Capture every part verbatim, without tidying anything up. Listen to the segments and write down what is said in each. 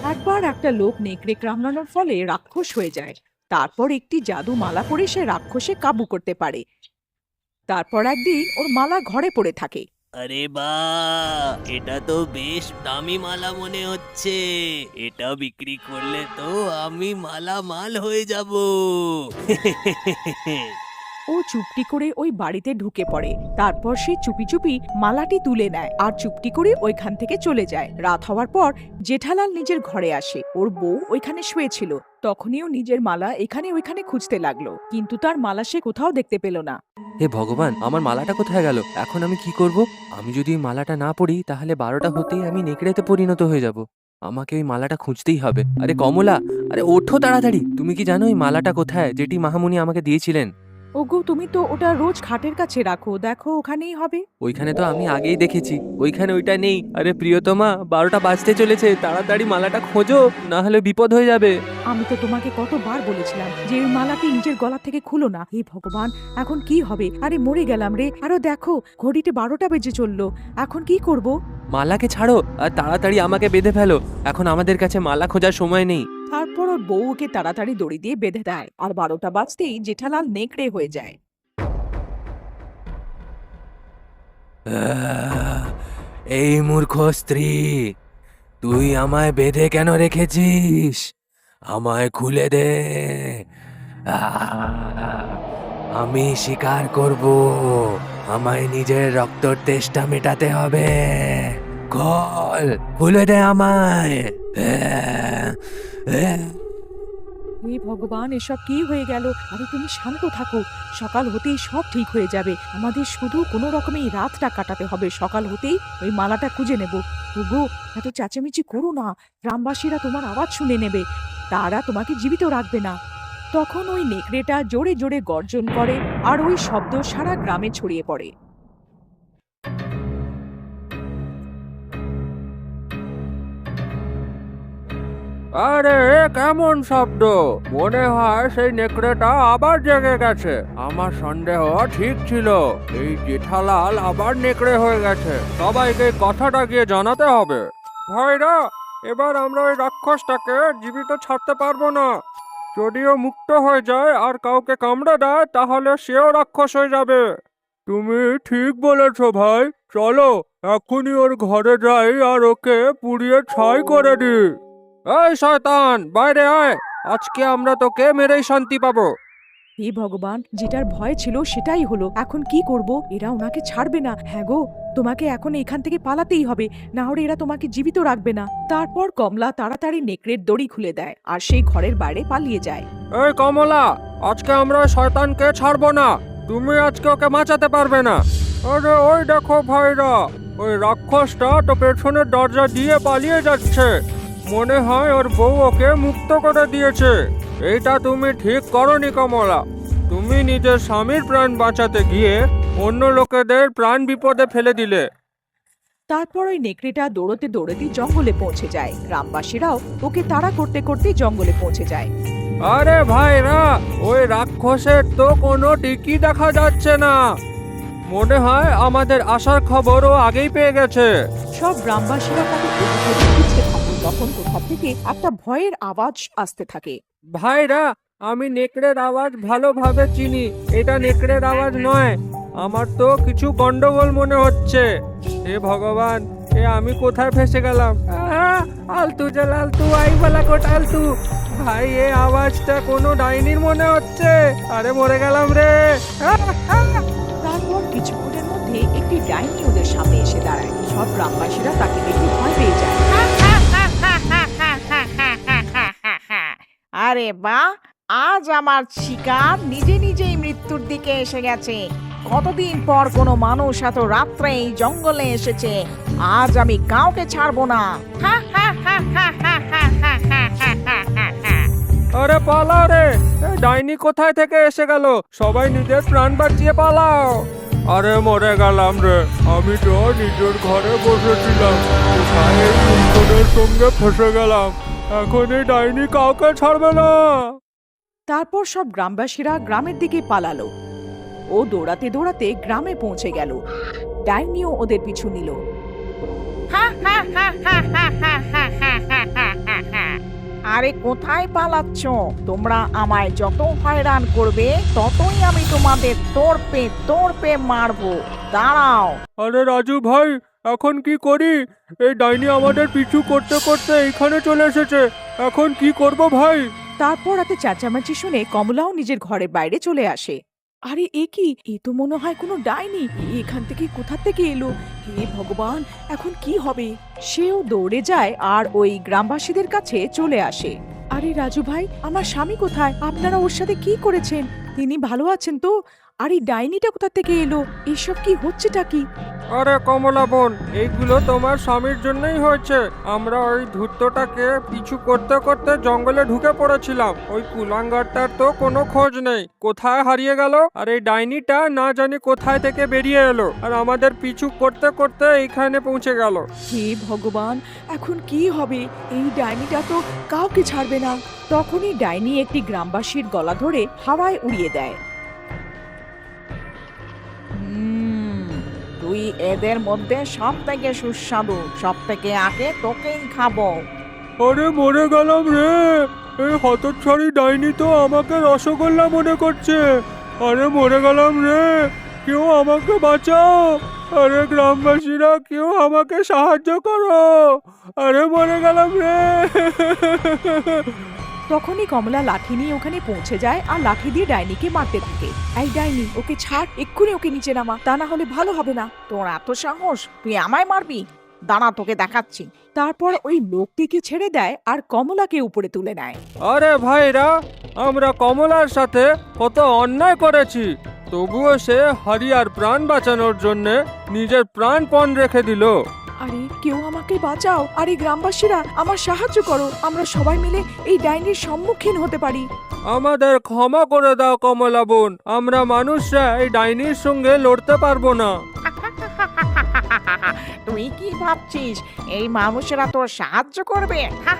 একবার একটা লোক নেকড়ে কামড়ানোর ফলে রাক্ষস হয়ে যায়। তারপর একটি জাদু মালা পরে সে রাক্ষসে কাবু করতে পারে। তারপর একদিন ওর মালা ঘরে পড়ে থাকে। আরে বাহ, এটা তো বেশ দামি মালা মনে হচ্ছে। এটা বিক্রি করলে তো আমি মালামাল হয়ে যাব। ও চুপটি করে ওই বাড়িতে ঢুকে পড়ে। তারপর সে চুপি চুপি মালাটি তুলে নেয় আর চুপটি করে ওইখান থেকে চলে যায়। রাত হওয়ার পর জেঠালাল নিজের ঘরে আসে। ওর বউ ওইখানে শুয়েছিল। তখনই ও নিজের মালা এখানে ওইখানে খুঁজতে লাগলো, কিন্তু তার মালা সে কোথাও দেখতে পেল না। হে ভগবান, আমার মালাটা কোথায় গেল? এখন আমি কি করব? আমি যদি এই মালাটা না পরি তাহলে বারোটা হতেই আমি নেকড়েতে পরিণত হয়ে যাব। আমাকে ওই মালাটা খুঁজতেই হবে। আরে কমলা, আরে ওঠো তাড়াতাড়ি। তুমি কি জানো এই মালাটা কোথায়, যেটি মাহামুনি আমাকে দিয়েছিলেন? ওগো, তুমি তো ওটা রোজ খাটের কাছে রাখো, দেখো ওখানেই হবে। ওইখানে তো আমি আগেই দেখেছি, ওইখানে ওইটা নেই। আরে প্রিয়তমা, বারোটা বাজতে চলেছে, তাড়াতাড়ি মালাটা খোঁজো, না হলে বিপদ হয়ে যাবে। আমি তো তোমাকে কতবার বলেছিলাম যে ওই মালাটি নিজের গলা থেকে খুলো না। হে ভগবান, এখন কি হবে? আরে মরে গেলাম রে। আরো দেখো, ঘড়িতে বারোটা বেজে চললো। এখন কি করব? মালাকে ছাড়ো আর তাড়াতাড়ি আমাকে বেঁধে ফেলো। এখন আমাদের কাছে মালা খোঁজার সময় নেই। তারপর ওর বউ ওকে তাড়াতাড়ি দড়ি দিয়ে বেঁধে দেয়, আর বারোটা বাজতেই জেঠালাল নেকড়ে হয়ে যায়। আহ, এই মূর্খ স্ত্রী, তুই আমায় বেঁধে কেন রেখেছিস? আমায় খুলে দে। আহ, আমি শিকার করব। আমায় নিজের রক্তর তেষ্টা মেটাতে হবে। খোল, খুলে দে আমায়। আহ, আহ। হে ভগবান, এসব কি হয়ে গেল? আরে তুমি শান্ত থাকো, সকাল হতেই সব ঠিক হয়ে যাবে। আমাদের শুধু কোনো রকমে এই রাতটা কাটাতে হবে। সকাল হতেই ওই মালাটা খুঁজে নেব। ওগো, এত চেঁচামেচি করো না, গ্রামবাসীরা তোমার আওয়াজ শুনে নেবে। তারা তোমাকে জীবিত রাখবে না। তখন ওই নেকড়েটা জোরে জোরে গর্জন করে, আর ওই শব্দ সারা গ্রামে ছড়িয়ে পড়ে। আরে এ কেমন শব্দ? মনে হয় সেই নেকড়েটা আবার জেগে গেছে। আমার সন্দেহ ঠিক ছিল, এই জেঠালাল আবার নেকড়ে হয়ে গেছে। সবাইকে কথাটা গিয়ে জানাতে হবে। ভাইরা, এবার আমরা ওই রাক্ষসটাকে জীবিত ছাড়তে পারবো না। যদিও মুক্ত হয়ে যায় আর কাউকে কামড়ে দেয়, তাহলে সেও রাক্ষস হয়ে যাবে। তুমি ঠিক বলেছ ভাই। চলো এখনই ওর ঘরে যাই আর ওকে পুড়িয়ে ছাই করে দিই। এই শয়তান, বাইরে আয়। আজকে আমরা তোকে মেরেই শান্তি পাবো। হে ভগবান, যেটার ভয় ছিল সেটাই হলো। এখন কি করব? এরা ওনাকে ছাড়বে না। হ্যাঁ গো, তোমাকে এখন এখান থেকে পালাতেই হবে, না হলে এরা তোমাকে জীবিত রাখবে না। তারপর কমলা তাড়াতাড়ি নেকড়ের দড়ি খুলে দেয় আর সেই ঘরের বাইরে পালিয়ে যায়। এই কমলা, আজকে আমরা ওই শয়তানকে ছাড়বো না। তুমি আজকে ওকে বাঁচাতে পারবে না। আরে ওই দেখো ভাইরা, ওই রাক্ষসটা তো পেছনের দরজা দিয়ে পালিয়ে যাচ্ছে। মনে হয় ওর বউ ওকে মুক্ত করে দিয়েছে। এইটা তুমি ঠিক করনি কমলা। তুমি নিজের স্বামীর প্রাণ বাঁচাতে গিয়ে অন্য লোকেদের প্রাণ বিপদে ফেলে দিলে। তারপর ওই নেকড়েটা দৌড়তে দৌড়তে জঙ্গলে পৌঁছে যায়। গ্রামবাসীরাও ওকে তাড়া করতে করতে জঙ্গলে পৌঁছে যায়। আরে ভাইরা, ওই রাক্ষসের তো কোনো টিকি দেখা যাচ্ছে না। মনে হয় আমাদের আসার খবরও আগেই পেয়ে গেছে। সব গ্রামবাসীরা তাকে এদিক ওদিক খুঁজতে থাকে। তখন কোথা থেকে একটা ভয়ের আওয়াজ আসতে থাকে। ভাইরা, আমি নেকড়ের আওয়াজ ভালোভাবে চিনি। এটা নেকড়ের আওয়াজ নয়। আমার তো কিছু গন্ডগোল মনে হচ্ছে। হে ভগবান, এ আমি কোথায় ফেসে গেলাম? আহা, আলতু জাল আলতু আই বলা কোট আলতু। ভাই, এ আওয়াজটা কোনো ডাইনির মনে হচ্ছে। আরে মরে গেলাম রে। আহ, আহ। তারপর কিছুক্ষণের মধ্যে একটি ডাইনি ওদের সামনে এসে দাঁড়ায়। সব গ্রামবাসীরা তাকে দেখে ভয় পেয়ে যায়। আরে বাহ, আজ আমার শিকার নিজে নিজেই মৃত্যুর দিকে এসে গেছে। কতদিন পর কোনো মানুষ এত রাত্রে এই জঙ্গলে এসেছে। আজ আমি কাউকে ছাড়বো না। আরে পালাও রে, এ ডাইনি কোথায় থেকে এসে গেল? সবাই নিজের প্রাণ বাঁচিয়ে পালাও। আরে মরে গেলাম রে, আমি তো নিজের ঘরে বসেছিলাম, কোথায় এই বিপদের সঙ্গে ফেসে গেলাম। এখন এই ডাইনি কাউকে ছাড়বে না। তারপর সব গ্রামবাসীরা গ্রামের দিকে পালালো। ও দৌড়াতে দৌড়াতে গ্রামে পৌঁছে গেল। ডাইনিও ওদের পিছু নিল। আরে কোথায় পালাচ্ছ? তোমরা আমায় যত হয়রান করবে ততই আমি তোমাদের তোড়পে তোড়পে মারবো। দাঁড়াও। আরে রাজু ভাই, এখন কি করি? এই ডাইনি আমাদের পিছু করতে করতে এইখানে চলে এসেছে। এখন কি করব ভাই? তারপর রাতে চেঁচামেচি শুনে কমলাও নিজের ঘরের বাইরে চলে আসে। আরে এ কি, এ তো মনে হয় কোনো ডাইনি। এ এখান থেকে কোথা থেকে এলো? হে ভগবান, এখন কি হবে? সেও দৌড়ে যায় আর ওই গ্রামবাসীদের কাছে চলে আসে। আরে রাজু ভাই, আমার স্বামী কোথায়? আপনারা ওর সাথে কি করেছেন? তিনি ভালো আছেন তো? আর এই ডাইনিটা কোথা থেকে এলো? এসব কি হচ্ছেটা কি? আরে কমলা বোন, এইগুলো তোমার স্বামীর জন্যই হয়েছে। আমরা ওই ধূর্তটাকে পিছু করতে করতে জঙ্গলে ঢুকে পড়েছিলাম। ওই কুলাঙ্গারটার তো কোনো খোঁজ নেই, কোথায় হারিয়ে গেল। আর এই ডাইনিটা না জানি কোথায় থেকে বেরিয়ে এলো আর আমাদের পিছু করতে করতে এইখানে পৌঁছে গেল। হে ভগবান, এখন কি হবে? এই ডাইনিটা তো কাউকে ছাড়বে না। তখনই ডাইনি একটি গ্রামবাসীর গলা ধরে হাওয়ায় উড়িয়ে দেয়। হুম, তুই এদের মধ্যে সব থেকে সুস্বাদু, সব থেকে আগে তোকেই খাবো। আরে মরে গেলাম রে! এই হতচ্ছাড়ি ডাইনি তো আমাকে রসগোল্লা মনে করছে। আরে মরে গেলাম রে! কেউ আমাকে বাঁচাও! আরে গ্রামবাসীরা, কেউ আমাকে সাহায্য করো! আরে মরে গেলাম রে! তখনই কমলা লাঠি নিয়ে ওখানে পৌঁছে যায় আর লাঠি দিয়ে ডাইনিকে মারতে থাকে। এই ডাইনি, ওকে ছাড়, এক্ষুনি ওকে নিচে নামা, তা না হলে ভালো হবে না। তোর এত সাহস, তুই আমায় মারবি? দাঁড়া, তোকে দেখাচ্ছি। তারপর ওই লোকটিকে ছেড়ে দেয় আর কমলাকে উপরে তুলে নেয়। আরে ভাইরা, আমরা কমলার সাথে কত অন্যায় করেছি, তবুও সে হারিয়ার প্রাণ বাঁচানোর জন্য নিজের প্রাণপণ রেখে দিল। আরে কেউ আমাকে বাঁচাও, আর এই গ্রামবাসীরা আমার সাহায্য করো, আমরা সবাই মিলে এই ডাইনির সম্মুখীন হতে পারি। আমাদের ক্ষমা করে দাও কমলা বোন, আমরা মানুষরা এই ডাইনির সঙ্গে লড়তে পারবো না। তুই কি ভাবছিস এই মানুষেরা তোর সাহায্য করবে?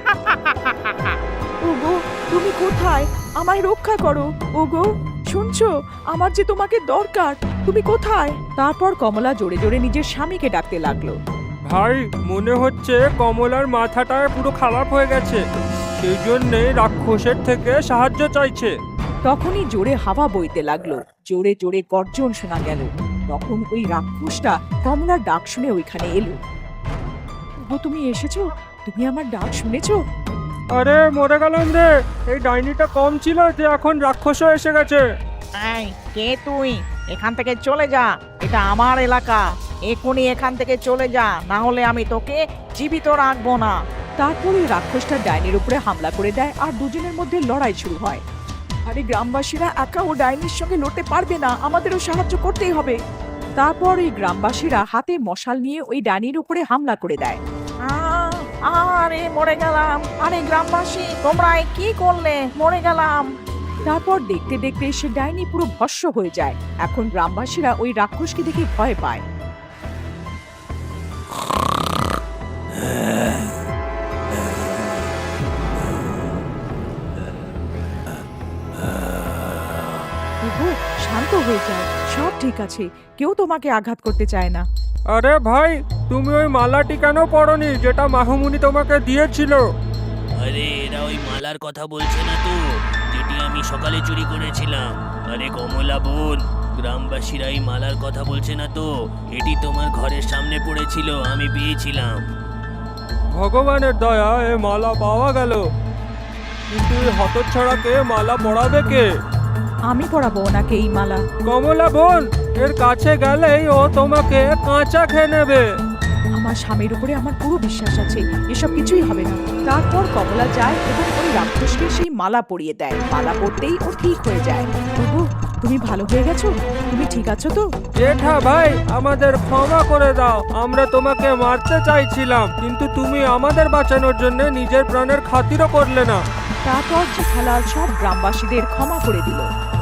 ওগো, তুমি কোথায়? আমায় রক্ষা করো। ওগো, শুনছো? আমার যে তোমাকে দরকার, তুমি কোথায়? তারপর কমলা জোরে জোরে নিজের স্বামীকে ডাকতে লাগলো। ভাই, মনে হচ্ছে কমলার মাথাটা পুরো খারাপ হয়ে গেছে, সেই জন্যে রাক্ষসের থেকে সাহায্য চাইছে। তখনই জোরে হাওয়া বইতে লাগলো, জোরে জোরে গর্জন শোনা গেল। তখন ওই রাক্ষসটা কমলার ডাক শুনে ওইখানে এলো। ওগো, তুমি এসেছো? তুমি আমার ডাক শুনেছো? আরে মরে গেলাম রে! এই ডাইনিটা কম ছিল যে এখন রাক্ষসও এসে গেছে। এই, কে তুই? এখান থেকে চলে যা, এটা আমার এলাকা। এখনই এখান থেকে চলে যা, না হলে আমি তোকে জীবিত রাখবো না। তারপরে রাক্ষসটা ডাইনির উপরে হামলা করে দেয় আর দুজনের মধ্যে লড়াই শুরু হয়। আরে গ্রামবাসীরা একা ও ডাইনির সঙ্গে লড়তে পারবে না, আমাদেরও সাহায্য করতেই হবে। তারপর এই গ্রামবাসীরা হাতে মশাল নিয়ে ওই ডাইনির উপরে হামলা করে দেয়। আহ, আরে মরে গেলাম। আরে গ্রামবাসী, তোমরা এ কি করলে? মরে গেলাম। তারপর দেখতে দেখতে সে ডাইনি পুরো ভস্ম হয়ে যায়। এখন গ্রামবাসীরা ওই রাক্ষসকে দেখে ভয় পায়। ওগো, শান্ত হয়ে যায়, সব ঠিক আছে, কেউ তোমাকে আঘাত করতে চায় না। আরে ভাই, তুমি ওই মালাটি কেন পরনি যেটা মাহমুনি তোমাকে দিয়েছিল? আরে এরা ওই মালার কথা বলছে না তো, যেটি আমি সকালে চুরি করেছিলাম? আরে কমলা বোন, গ্রামবাসীরা এই মালার কথা বলছে না তো? এটি তোমার ঘরের সামনে পড়েছিল, আমি পেয়েছিলাম। ভগবানের দয়া, এ মালা পাওয়া গেল। কিন্তু এই হতচ্ছাড়াকে মালা পরাবে কে? আমি পরাবো ওনাকে এই মালা। কমলা বোন, এর কাছে গেলেই ও তোমাকে কাঁচা খেয়ে নেবে। আমার স্বামীর উপরে আমার পুরো বিশ্বাস আছে, এসব কিছুই হবে না। তারপর কমলা যায় এবং ওই রাক্ষসকে সেই মালা পরিয়ে দেয়। মালা পরতেই ও ঠিক হয়ে যায়। ওগো, তুমি ভালো হয়ে গেছো? তুমি ঠিক আছো তো? জেঠা ভাই, আমাদের ক্ষমা করে দাও, আমরা তোমাকে মারতে চাইছিলাম, কিন্তু তুমি আমাদের বাঁচানোর জন্য নিজের প্রাণের খাতিরও করলে না। তারপর জেঠালাল সব গ্রামবাসীদের ক্ষমা করে দিল।